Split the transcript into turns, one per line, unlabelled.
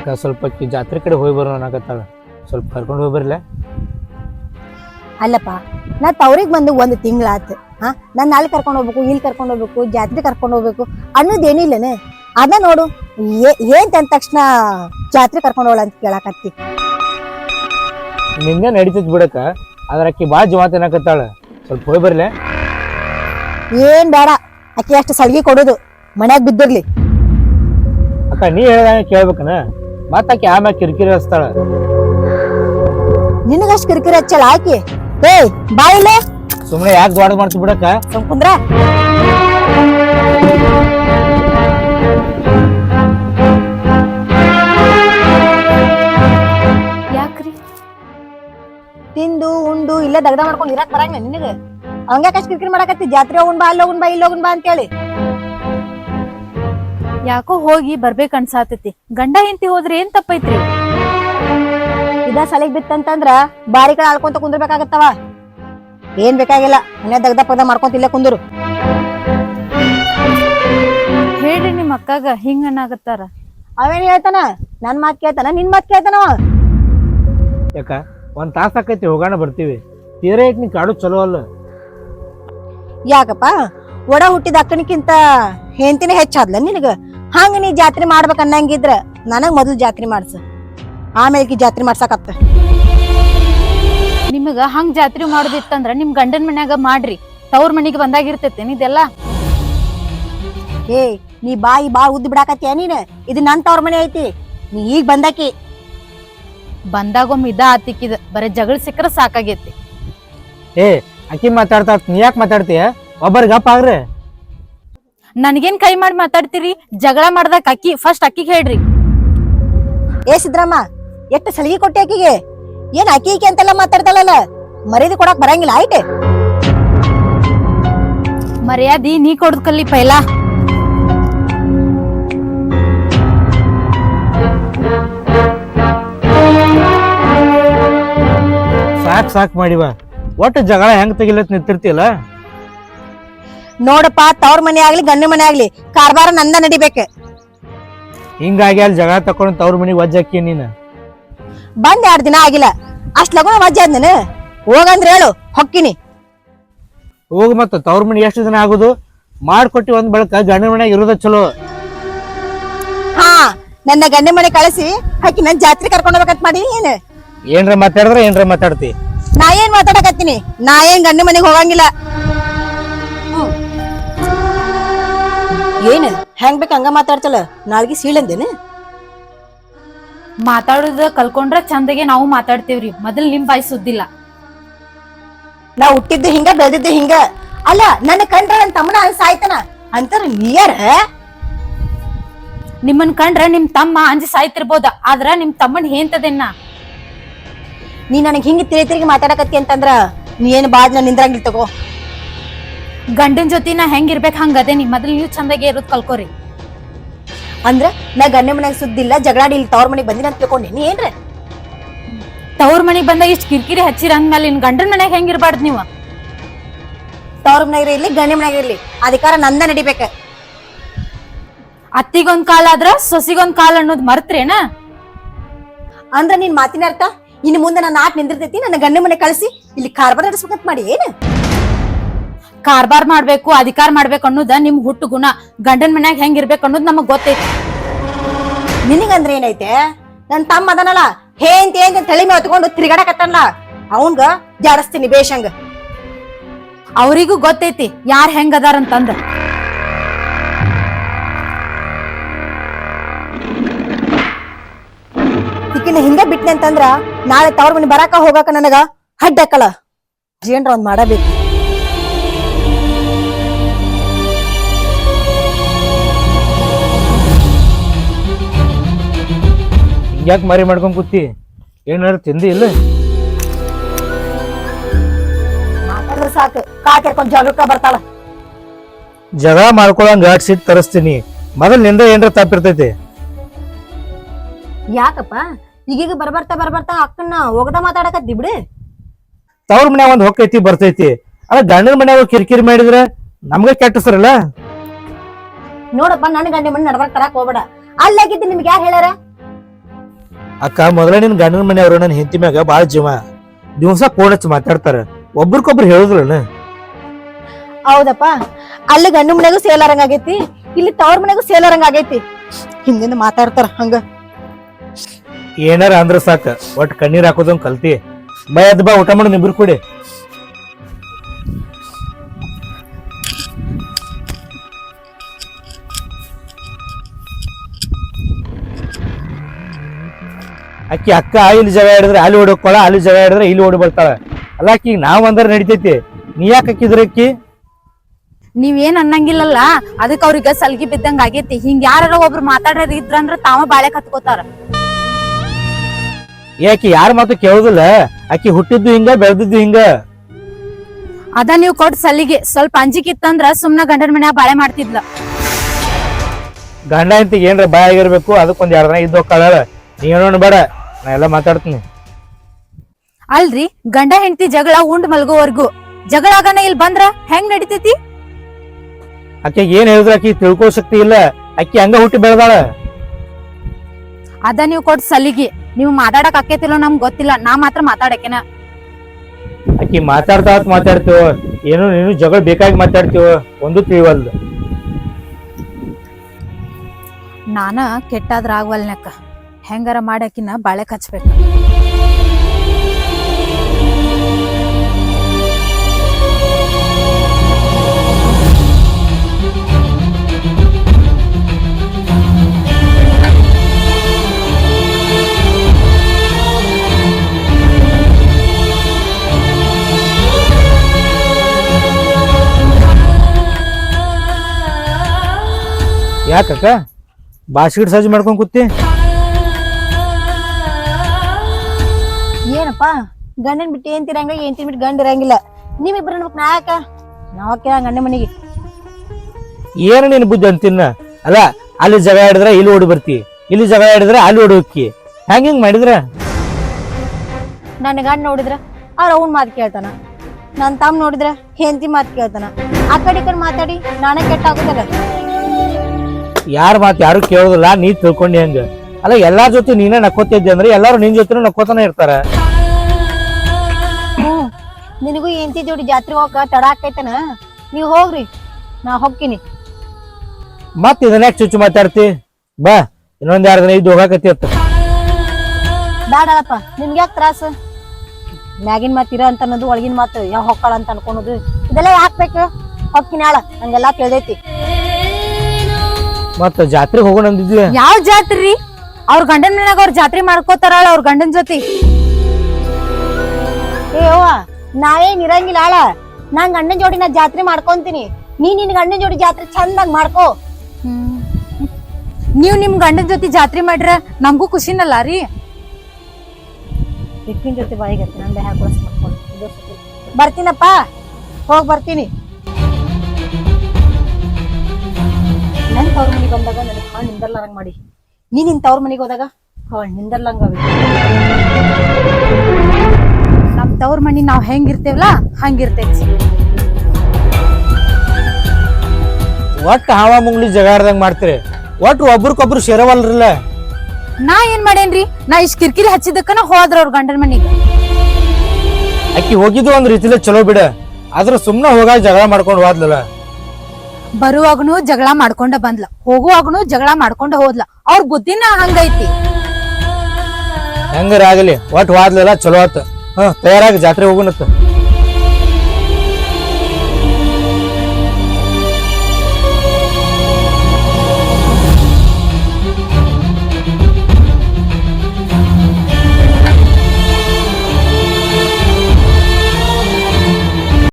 ಸ್ವಲ್ಪ ಜಾತ್ರೆ ಕಡೆ ಹೋಗಿ ಬರೋಣ ಅನ್ನಕತ್ತಾಳ, ಸ್ವಲ್ಪ ಕರ್ಕೊಂಡು ಹೋಗಿ ಬರ್ಲೆ.
ಅಲ್ಲಪ್ಪ, ನಾ ತವ್ರಿಗೆ ಬಂದು 1 ತಿಂಗಳಾತು. ನಾನು ಅಲ್ಲಿ ಕರ್ಕೊಂಡು ಹೋಗ್ಬೇಕು, ಇಲ್ಲಿ ಕರ್ಕೊಂಡು ಹೋಗ್ಬೇಕು, ಜಾತ್ರೆ ಕರ್ಕೊಂಡು ಹೋಗ್ಬೇಕು ಅನ್ನೋದೇನಿಲ್ಲನೆ. ಅದ ನೋಡು ಏನ್ ತಂದ ತಕ್ಷಣ ಜಾತ್ರೆ ಕರ್ಕೊಂಡು ಹೋಗ್ಲ ಅಂತ ಕೇಳಾಕತ್ತಿ.
ನಿಂಗೆ ನಡೀತೈತಿ ಬಿಡಕ್ಕ, ಆದ್ರ ಅಕ್ಕಿ ಭಾಳ ಜವಾತ್ ಅನ್ನಕತ್ತಾಳ, ಸ್ವಲ್ಪ ಹೋಗಿ ಬರ್ಲೆ.
ಏನ್ ಬೇಡ, ಅಕ್ಕಿ ಅಷ್ಟು ಸಲ್ಗಿ ಕೊಡೋದು ಮನ್ಯಾಗ ಬಿದ್ದಿರ್ಲಿ.
ಅಕ್ಕ ನೀ ಹೇಳ್ದಂಗ ಕೇಳ್ಬೇಕನ, ಮತ್ತ ಆಕಿ ಆಮ್ಯಾಗ ಕಿರಿಕಿರಿ ಹಚ್ತಾಳ.
ನಿನಗಷ್ಟು ಕಿರಿಕಿರಿ ಹಚ್ಚಲ್ಲ ಆಕಿ. ಏ ಬಾಯಿಲೆ,
ಸುಮ್ಮನೆ ಯಾಕೆ ದ್ವಾಡ ಮಾಡ್ತಿ ಬಿಡಕ್ಕ.
ಕುಂದ್ರ
ಯಾಕ್ರಿ?
ತಿಂದು ಉಂಡು ಇಲ್ಲ ದಗದ ಮಾಡ್ಕೊಂಡು ಇರಕ್ ಬರಂಗ ನಿನಗ? ಹಂಗ್ಯಾಕಷ್ಟು ಕಿರಿಕಿರಿ ಮಾಡಕತ್ತಿ? ಜಾತ್ರೆ ಹೋಗುನ್ ಬಾ, ಅಲ್ಲಿ ಹೋಗುನ್ ಬಾ, ಇಲ್ಲಿ ಹೋಗುನ್ ಬಾ ಅಂತೇಳಿ.
ಯಾಕೋ ಹೋಗಿ ಬರ್ಬೇಕ ಅನ್ಸಾತೈತಿ. ಗಂಡ ಹೆಂಡತಿ ಹೋದ್ರೆ ಏನ್ ತಪ್ಪೈತ್ರಿ?
ಇದ ಸಲಿಗ್ ಬಿತ್ತಂತಂದ್ರ ಬಾರಿ ಕಡೆ ಆಳ್ಕೊಂತ ಕುಂದ್ರಬೇಕಾಗತ್ತವ. ಏನ್ ಬೇಕಾಗಿಲ್ಲ, ಮನೆ ದಗದ ಪಗದ ಮಾಡ್ಕೊಂತ ಇಲ್ಲೇ ಕುಂದ್ರು.
ಹೇಳ್ರಿ ನಿಮ್ ಅಕ್ಕಾಗ ಹಿಂಗ ಅನ್ನಾಗತ್ತಾರ.
ಅವೇನ್ ಹೇಳ್ತಾನ? ನನ್ ಮಾತ್ ಕೇಳ್ತಾನ, ನಿನ್ ಮಾತ್ ಕೇಳ್ತಾನವ?
ಯಾಕ 1 ತಾಸ ಆಕೈತಿ, ಹೋಗೋಣ ಬರ್ತೀವಿ. ತೀರಾ ನೀ ಕಾಡು ಚಲೋ ಅಲ್ಲ.
ಯಾಕಪ್ಪ, ಒಡ ಹುಟ್ಟಿದ ಅಕ್ಕನಿಕ್ಕಿಂತ ಹೆಂಡತಿನೇ ಹೆಚ್ಚಾದ್ಲ ನಿನಗ? ಹಂಗ ನೀ ಜಾತ್ರೆ ಮಾಡ್ಬೇಕ ಅನ್ನಂಗಿದ್ರ ನನಗ್ ಮೊದಲು ಜಾತ್ರೆ ಮಾಡ್ಸ, ಆಮೇಲೆ ಜಾತ್ರೆ ಮಾಡ್ಸಕತ್ತ.
ನಿಮಗ ಹಂಗ್ ಜಾತ್ರೆ ಮಾಡೋದಿತ್ತಂದ್ರ ನಿಮ್ ಗಂಡನ್ ಮನ್ಯಾಗ ಮಾಡ್ರಿ, ತವ್ರ ಮನಿಗೆ ಬಂದಾಗಿರ್ತೈತೇನ್ ಇದೆಲ್ಲ?
ಏ ನೀ ಬಾಯಿ ಬಾ ಉದ್ದ ಬಿಡಾಕತ್ತೀಯ ನೀನ್? ಇದು ನನ್ ತವ್ರ ಮನೆ ಐತಿ, ನೀ ಈಗ ಬಂದಾಕಿ.
ಬಂದಾಗೊಮ್ಮೆ ಇದ ಆತಿಕ್ಕಿದ, ಬರೀ ಜಗಳ ಸಿಕ್ಕರ ಸಾಕಾಗೈತಿ.
ಏ ಅಕ್ಕಿ ಮಾತಾಡ್ತಾ, ನೀ ಯಾಕೆ ಮಾತಾಡ್ತೀಯ? ಒಬ್ಬರಿಗೆ ಗಪ್ಪ ಆಗ್ರಿ.
ನನ್ಗೇನ್ ಕೈ ಮಾಡಿ ಮಾತಾಡ್ತೀರಿ? ಜಗಳ ಮಾಡ್ದಾಗ ಅಕ್ಕಿ ಫಸ್ಟ್ ಅಕ್ಕಿಗೆ ಹೇಳ್ರಿ.
ಏ ಸಿದ್ರಮ್ಮ, ಎಷ್ಟು ಸಲಿಗೆ ಕೊಟ್ಟೆ ಆಕಿಗೆ? ಏನ್ ಅಕ್ಕಿ ಅಂತೆಲ್ಲ ಮಾತಾಡ್ತಾಳಲ್ಲ, ಮರ್ಯಾದೆ ಕೊಡಕ್ ಬರಂಗಿಲ್ಲ ಆಯ್ತೆ?
ಮರ್ಯಾದಿ ನೀ ಕೊಡದ್ ಕಲ್ಲಿ ಪೈಲಾ.
ಸಾಕ್ ಮಾಡಿವ, ಒಟ್ಟು ಜಗಳ ಹೆಂಗ್ ತೆಗಿಲತ್ ನಿಂತಿರ್ತಿಯಲ್ಲ.
ನೋಡಪ್ಪ, ತವ್ರ ಮನೆ ಆಗ್ಲಿ ಗಂಡ ಮನೆ ಆಗ್ಲಿ ಕಾರ್ಬಾರ ನಂದ ನಡಿಬೇಕು.
ಹಿಂಗಾಗಿ ಅಲ್ಲಿ ಜಗಳ ತಕೊಂಡು ತವ್ರ ಮನಿಗೆ ವಜ್ಜಾಕಿ ನೀನು.
ಬಂದ್ 2 ದಿನ ಆಗಿಲ್ಲ, ಅಷ್ಟ್ ಲಗುನ ವಜ್ಜೆ ಆದ್ ನಾನು. ಹೋಗಂದ್ರ ಹೇಳು, ಹೊಕ್ಕಿನಿ.
ಹೋಗ್ ಮತ್ತ ತವ್ರ ಮನಿ ಎಷ್ಟು ದಿನ ಆಗುದು? ಮಾಡ್ಕೊಟ್ಟಿ ಒಂದ್ ಬಳಕ ಗಂಡನ ಮನ್ಯಾಗ ಇರೋದ ಚಲೋ.
ಹಾ, ನನ್ನ ಗಂಡ ಮನೆ ಕಳಿಸಿ ಹಾಕಿ ನನ್ ಜಾತ್ರೆ ಕರ್ಕೊಂಡ್ ಹೋಗ್ಬೇಕಂತ ಮಾಡೀನಿ.
ಏನ್ರ ಮಾತಾಡಿದ್ರ ಏನ್ರ ಮಾತಾಡ್ತಿ?
ನಾ ಏನ್ ಮಾತಾಡಕತ್ತೀನಿ? ನಾ ಏನ್ ಗಂಡ ಮನೆಗೆ ಹೋಗಂಗಿಲ್ಲ. ಏನ್ ಹೆಂಗ್ ಬೇಕ ಹಂಗ ಮಾತಾಡ್ತಲ್ಲ, ನಾಲ್ಗಿ ಸೀಳಂದೇನು?
ಮಾತಾಡುದ ಕಲ್ಕೊಂಡ್ರ ಚಂದಗೆ ನಾವು ಮಾತಾಡ್ತೇವ್ರಿ, ಮೊದಲ್ ನಿಮ್ ಬಾಯಿ ಸುದ್ದಿಲ್ಲ.
ನಾ ಹುಟ್ಟಿದ್ದು ಹಿಂಗ, ಬೆಳೆದಿದ್ದು ಹಿಂಗ. ಅಲ್ಲ, ನನ್ನ ಕಂಡ್ರ ನನ್ ತಮ್ಮನ ಸಾಯ್ತಾನ ಅಂತಾರ ನೀಯಾರ?
ನಿಮ್ಮನ್ ಕಂಡ್ರ ನಿಮ್ ತಮ್ಮ ಅಂಜಿ ಸಾಯ್ತಿರ್ಬೋದ, ಆದ್ರ ನಿಮ್ ತಮ್ಮನ್ ಹೇಂತದೇನ?
ನೀ ನನಗ್ ಹಿಂಗ ತಿರುಗಿ ಮಾತಾಡಕತ್ತಿ ಅಂತಂದ್ರ ನೀ ಏನ್ ಬಾದ್ನ ನಿಂದ್ರಂಗಿಲ್ ತಗೋ.
ಗಂಡನ್ ಜೊತೆ ನಾ ಹೆಂಗಿರ್ಬೇಕ್ ಹಂಗದೇನಿ, ಮೊದಲ್ ನೀವು ಚಂದಾಗೆ ಇರೋದ್ ಕಲ್ಕೋರಿ.
ಅಂದ್ರ ನಾ ಗಂಡ ಮನ್ಯಾಗ ಸುದ್ದಿಲ್ಲ, ಜಗಳಾಡಿ ಇಲ್ಲಿ ತವ್ರ ಮನೆಗ್ ಬಂದಿನ ಅಂತ ತಿಳ್ಕೊಂಡೇನಿ ಏನ್ರ?
ತವ್ರ ಮನಿಗ್ ಬಂದಾಗ ಇಷ್ಟ ಕಿರಿಕಿರಿ ಹಚ್ಚಿರ ಅಂದ್ಮೇಲೆ ಇನ್ ಗಂಡನ್ ಮನ್ಯಾಗ ಹೆಂಗಿರ್ಬಾರ್ದು ನೀವು?
ತವ್ರ ಮನ್ಯಾಗ ಇರ್ಲಿ ಗಂಡ ಮನ್ಯಾಗ ಇರ್ಲಿ ಅಧಿಕಾರ ನಂದ ನಡಿಬೇಕ.
ಅತ್ತಿಗೊಂದ್ ಕಾಲ ಆದ್ರ ಸೊಸಿಗೊಂದ್ ಕಾಲ ಅನ್ನೋದ್ ಮರ್ತ್ರೇನ?
ಅಂದ್ರ ನಿನ್ ಮಾತಿನ ಅರ್ಥ ಇನ್ನು ಮುಂದೆ ನನ್ನ ಆಟ ನಿಂದಿರ್ತೈತಿ, ನನ್ನ ಗಂಡ ಮನೆ ಕಳಿಸಿ ಇಲ್ಲಿ ಕಾರ್ಬಾರ್ ನಡೆಸ್ಬೇಕಂತ ಮಾಡಿ ಏನ್?
ಕಾರ್ಬಾರ್ ಮಾಡ್ಬೇಕು, ಅಧಿಕಾರ ಮಾಡ್ಬೇಕು ಅನ್ನೋದ ನಿಮ್ ಹುಟ್ಟು ಗುಣ. ಗಂಡನ್ ಮನ್ಯಾಗ ಹೆಂಗಿರ್ಬೇಕು ಅನ್ನೋದ್ ನಮಗ್ ಗೊತ್ತೈತಿ.
ನಿನಗಂದ್ರ ಏನೈತೆ? ನನ್ ತಮ್ಮ ಅದನಲ್ಲ, ಏನ್ ತಲೆ ಮೇಲೆ ಹೊತ್ಕೊಂಡು ತಿರ್ಗಾಡಕತ್ತಲ್ಲ, ಅವಂಗ ಜಾಡಸ್ತೀನಿ ಬೇಷಂಗ.
ಅವ್ರಿಗೂ ಗೊತ್ತೈತಿ ಯಾರ್ ಹೆಂಗ್ ಅದಾರಂತಂದ.
ತಿಕ್ಕಿನ ಹಿಂಗ ಬಿಟ್ನೆ ಅಂತಂದ್ರ ನಾಳೆ ತವ್ರ ಮನೆ ಬರಾಕ ಹೋಗಾಕ ನನಗ ಹಡ್ಡಕ್ಕಳ. ಏನ್ರ ಒಂದ್ ಮಾಡಬೇಕು.
ಯಾಕೆ ಮರಿ ಮಾಡ್ಕೊಂಡ್ ಕೂತಿ? ಏನಾರು ತಿಂದಿ ಇಲ್ಲ?
ಮಾತಾಡಿದ್ರೆ ಸಾಕು, ಕಾಕೆರ್ಕೊಂಡ್ ಜಗಳಕ್ಕ ಬರ್ತಾಳ.
ಜಗಳ ಮಾಡ್ಕೊಳಂಗ ಸಿಟ್ ತರಿಸ್ತೀನಿ. ಮೊದಲ್ ನಿಂದ ಏನ್ರ ತಪ್ಪಿರ್ತೈತಿ.
ಯಾಕಪ್ಪ ಈಗೀಗ ಬರ್ಬರ್ತಾ ಅಕ್ಕನ್ನ ಹೋಗದ ಮಾತಾಡಕತ್ತಿ ಬಿಡು.
ತವ್ರ ಮನ್ಯಾಗ ಒಂದ್ ಹೊಕ್ಕೈತಿ ಬರ್ತೈತಿ, ಅದ ಗಂಡನ ಮನ್ಯಾಗ ಕಿರಿಕಿರಿ ಮಾಡಿದ್ರ ನಮ್ಗ ಕೆಟ್ಟಸರಲ್ಲ.
ನೋಡಪ್ಪ, ನನ್ ಗಂಡ ಮನೆ ನಡ್ಬರ್ಕ್ ತರಕ್ ಹೋಗ್ಬೇಡ. ಅಲ್ಲಾಗಿದ್ದು ನಿಮ್ಗೆ ಯಾರು ಹೇಳ್ಯಾರ?
ಅಕ್ಕ ಮೊದಲ ನಿನ್ ಗಂಡನ ಮನೆಯವರು ನನ್ನ ಹೆಂಡತಿ ಮ್ಯಾಗ ಬಾಳ ಜೀವ. ದಿವಸ ಫೋನ್ ಹಚ್ಚಿ ಮಾತಾಡ್ತಾರ, ಒಬ್ರಿಗೊಬ್ರು ಹೇಳುದಿಲ್ಲ.
ಹೌದಪ್ಪ, ಅಲ್ಲಿ ಗಂಡು ಮನೆಗೂ ಸೇಲಾರಂಗ ಆಗೈತಿ, ಇಲ್ಲಿ ತವ್ರ ಮನೆಗೂ ಸೇಲಾರಂಗ ಆಗೈತಿ. ಹಿಂದಿಂದ ಮಾತಾಡ್ತಾರ ಹಂಗ.
ಏನಾರ ಅಂದ್ರ ಸಾಕ ಒಟ್ ಕಣ್ಣೀರ್ ಹಾಕೋದಂಗ್ ಕಲ್ತಿ. ಬಾ ಎದ್ ಬಾ, ಊಟ ಮಾಡು ನಿಬ್ರು ಕೂಡಿ. ಅಕ್ಕಿ ಅಕ್ಕ ಇಲ್ಲಿ ಜಗ ಹಿಡಿದ್ರೆ ಅಲ್ಲಿ ಓಡೋಕೊಳ, ಅಲ್ಲಿ ಜಗ ಹಿಡಿದ್ರೆ ಇಲ್ಲಿ ಓಡಿ ಬರ್ತಾಳ. ಅಲ್ಲ ಅಕ್ಕಿ ನಾವ್ ಅಂದ್ರ ನಡಿತೈತಿ, ನೀ ಯಾಕೆ ಅಕ್ಕಿದ್ರ ಅಕ್ಕಿ?
ನೀವೇನ್ ಅನ್ನಂಗಿಲ್ಲಲ್ಲ, ಅದಕ್ಕ ಅವ್ರಿಗೆ ಸಲ್ಗಿ ಬಿದ್ದಂಗ ಆಗೇತಿ. ಹಿಂಗ ಯಾರ ಒಬ್ರು ಮಾತಾಡೋದ್ ಇದ್ರಂದ್ರ ತಾವ ಬಾಳೆ ಕತ್ಕೋತಾರ.
ಯಾಕಿ ಯಾರ ಮಾತು ಕೇಳುದಿಲ್ಲ? ಅಕ್ಕಿ ಹುಟ್ಟಿದ್ದು ಹಿಂಗ, ಬೆಳೆದಿದ್ದು ಹಿಂಗ.
ಅದ ನೀವ್ ಕೊಟ್ ಸಲಿಗೆ ಸ್ವಲ್ಪ ಅಂಜಿಕೆ ಇತ್ತಂದ್ರ ಸುಮ್ನ ಗಂಡನ ಮನ್ಯಾಗ ಬಾಳೆ ಮಾಡ್ತಿದ್ಲ.
ಗಂಡ ಅಂತಿಗೆ ಏನ್ರ ಬಾಯ್ ಆಗಿರ್ಬೇಕು, ಅದಕ್ಕೊಂದ್ 2 ದಿನ ಇದ್ದು ಹೋಗ್ತಾಳ. ನೀ ಏನೋ ಬೇಡ, ನಾ ಎಲ್ಲ ಮಾತಾಡ್ತೀನಿ.
ಅಲ್ರಿ, ಗಂಡ ಹೆಂಡತಿ ಜಗಳ ಉಂಡ್ ಮಲ್ಗೋವರ್ಗು ಜಗಳ ಆಗನ ಇಲ್ಲಿ ಬಂದ್ರ ಹೆಂಗ್ ನಡಿತೈತಿ?
ಅಕ್ಕಿ ಏನ್ ಹೇಳಿದ್ರ ಅಕ್ಕಿ ತಿಳ್ಕೋ ಶಕ್ತಿ ಇಲ್ಲ. ಅಕ್ಕಿ ಹಂಗ ಹುಟ್ಟಿ ಬೆಳೆದಾಳ.
ಅದ ನೀವ್ ಕೊಟ್ ಸಲಿಗೆ. ನೀವು ಮಾತಾಡಕ್ ಆಕೇತಿಲ್ಲೋ ನಮ್ಗ್ ಗೊತ್ತಿಲ್ಲ, ನಾ ಮಾತ್ರ ಮಾತಾಡಕೇನ.
ಅಕ್ಕಿ ಮಾತಾಡ್ತೀವ, ಏನು ನೀನು ಜಗಳ ಬೇಕಾಗಿ ಮಾತಾಡ್ತೀವ, ಒಂದು ತಿಳಿವಲ್ದು.
ನಾನ ಕೆಟ್ಟಾದ್ರ ಆಗ್ವಲ್ನಕ್ಕ, ಹೆಂಗಾರ ಮಾಡಾಕಿನ ಬಾಳೆ ಹಚ್ಬೇಕು.
ಯಾಕಕ್ಕ ಬಾಸ್ಕೆಟ್ ಸಜ್ಜು ಮಾಡ್ಕೊಂಡ್ ಕೂತಿ?
ಏನಪ್ಪ, ಗಂಡನ್ ಬಿಟ್ಟು ಏನ್ ತಿರಂಗ, ಏನ್ ಬಿಟ್ಟು ಗಂಡ ಇರಂಗಿಲ್ಲ. ನೀವಿಬ್ರು ಅನ್ಬೇಕು. ನಾಯಕ ನಾವಕ್ಕ ಗಂಡ ಮನೆಗೆ
ಏನು ನೀನ್ ಬುದ್ಧಿ ಅಂತಿನ್ನ? ಅಲ್ಲ, ಅಲ್ಲಿ ಜಗ ಹಿಡಿದ್ರೆ ಇಲ್ಲಿ ಓಡಿ ಬರ್ತಿ, ಇಲ್ಲಿ ಜಗ ಹಿಡಿದ್ರೆ ಅಲ್ಲಿ ಓಡಿ ಹೋಕ್ಕಿ. ಹಿಂಗ್ ಮಾಡಿದ್ರ
ನನ್ನ ಗಂಡ ನೋಡಿದ್ರ ಅವ್ರ ಅವ್ನ ಮಾತು ಕೇಳ್ತಾನ, ನನ್ ತಮ್ಮ ನೋಡಿದ್ರ ಹೆಂಡತಿ ಮಾತು ಕೇಳ್ತಾನ. ಆ ಕಡೆ ಈ ಕಡೆ ಮಾತಾಡಿ ನಾನೇ ಕೆಟ್ಟ ಆಗುದಲ್ಲ.
ಯಾರ ಮಾತು ಯಾರು ಕೇಳೋದಿಲ್ಲ, ನೀ ತಿಳ್ಕೊಂಡಿ ಹೆಂಗ? ಅಲ್ಲ, ಎಲ್ಲಾರ ಜೊತೆ ನೀನೇ ನಕ್ಕೋತಿದ್ದೆ ಅಂದ್ರೆ ಎಲ್ಲಾರು ನಿನ್ ಜೊತೆ ನಕ್ಕೋತಾನೆ ಇರ್ತಾರ.
ನಿನಗೂ ಹೆಂಡತಿ ಜೋಡಿ ಜಾತ್ರೆ ಹೋಗಕ ತಡ ಆಕೈತನ? ನೀವ್ ಹೋಗ್ರಿ, ನಾ ಹೋಗ್ತೀನಿ.
ಮತ್ ಇದನ್ನ ಚುಚ್ಚು ಮಾತಾಡ್ತಿ? ಬಾ, ಇನ್ನೊಂದ್ 2 ದಿನ ಇದ್ದು ಹೋಗಾಕತಿ ಅತ್ತ.
ಬ್ಯಾಡಲ್ಲಪ್ಪ, ನಿಮ್ಗೆ ಯಾಕೆ ತ್ರಾಸ? ಮ್ಯಾಗಿನ ಮಾತು ಇರ ಅಂತ ಅನ್ನೋದು, ಒಳಗಿನ ಮಾತು ಯಾವ ಹೊಕ್ಕಳ ಅಂತ ಅನ್ಕೊಳೋದು, ಇದೆಲ್ಲ ಯಾಕ್ಬೇಕು? ಹೊಕ್ಕಿನ ಆಳ ನಂಗೆಲ್ಲಾ ತಿಳಿದೈತಿ.
ಮತ್ತ ಜಾತ್ರೆಗೆ ಹೋಗೋಣ ಅಂದಿದ್ವಿ.
ಯಾವ ಜಾತ್ರಿ? ಅವ್ರ ಗಂಡನ ಮನ್ಯಾಗ ಅವ್ರ ಜಾತ್ರೆ ಮಾಡ್ಕೋತಾರಳ ಅವ್ರ ಗಂಡನ್ ಜೊತೆ.
ಏ ಅವ್ವ, ನಾವೇನ್ ಇರಂಗಿಲ್ಲ ಆಳ. ನಾನ್ ಗಂಡನ ಜೋಡಿ ನಾ ಜಾತ್ರೆ ಮಾಡ್ಕೊಂತೀನಿ, ನೀ ನಿನ್ ಗಂಡನ ಜೋಡಿ ಜಾತ್ರೆ ಚಂದಾಗ ಮಾಡ್ಕೋ.
ನೀವ್ ನಿಮ್ ಗಂಡನ್ ಜೊತೆ ಜಾತ್ರೆ ಮಾಡ್ರ ನಮಗೂ ಖುಷಿನಲ್ಲ ರೀ.
ಹಿಟ್ಟಿನ ಜೊತೆ ಬಾಯಿಗೆ ನನ್ ಬೈ ಹಾಕೊಳಸ್ ಮಾಡ್ಕೊಂಡು ಬರ್ತೀನಪ್ಪ, ಹೋಗ್ ಬರ್ತೀನಿ. ನನ್ ತವ್ರ ಮನೆಗೆ ಬಂದಾಗ ನನಗೆ ಹಾಳು ನಿಂದರ್ಲಾರಂಗ್ ಮಾಡಿ, ನೀ ನಿನ್ ತವ್ರ ಮನೆಗೆ ಹೋದಾಗ ಹಾಳು ನಿಂದರ್ಲಂಗ.
ನಮ್ ತವ್ರ ಮನಿ ನಾವ್ ಹೆಂಗಿರ್ತೇವಲ್ಲ ಹಂಗಿರ್ತೈತಿ.
ಒಟ್ಟು ಹಾವ ಮುಂಗ್ಲಿ ಜಗಾಡ್ದಂಗ್ ಮಾಡ್ತೀರಿ, ಒಟ್ಟು ಒಬ್ರಿಗೊಬ್ರು ಸೇರವಲ್ರಲ್ಲ.
ನಾ ಏನ್ ಮಾಡೇನ್ರಿ? ನಾ ಇಷ್ಟ್ ಕಿರಿಕಿರಿ ಹಚ್ಚಿದಕ್ಕನ ಹೋದ್ರ ಅವ್ರ ಗಂಡನ ಮನಿಗೆ.
ಅಕ್ಕಿ ಹೋಗಿದ್ದು ಒಂದ್ ರೀತಿಲೇ ಚಲೋ ಬಿಡ, ಆದ್ರ ಸುಮ್ನ ಹೋಗಾಗ ಜಗಳ ಮಾಡ್ಕೊಂಡು ಹೋದ್ಲಲ್ಲ.
ಬರುವಾಗನು ಜಗಳ ಮಾಡ್ಕೊಂಡ ಬಂದ್ಲ, ಹೋಗುವಾಗನು ಜಗಳ ಮಾಡ್ಕೊಂಡ ಹೋದ್ಲ. ಅವ್ರ ಬುದ್ಧಿನ ಹಂಗೈತಿ.
ಹೆಂಗಾರ ಆಗಲಿ, ಒಟ್ಟು ಹೋದ್ಲಲ್ಲ ಚಲೋ ಆತ. ತಯಾರಾಗಿ ಜಾತ್ರೆ ಹೋಗುನತ್ತ.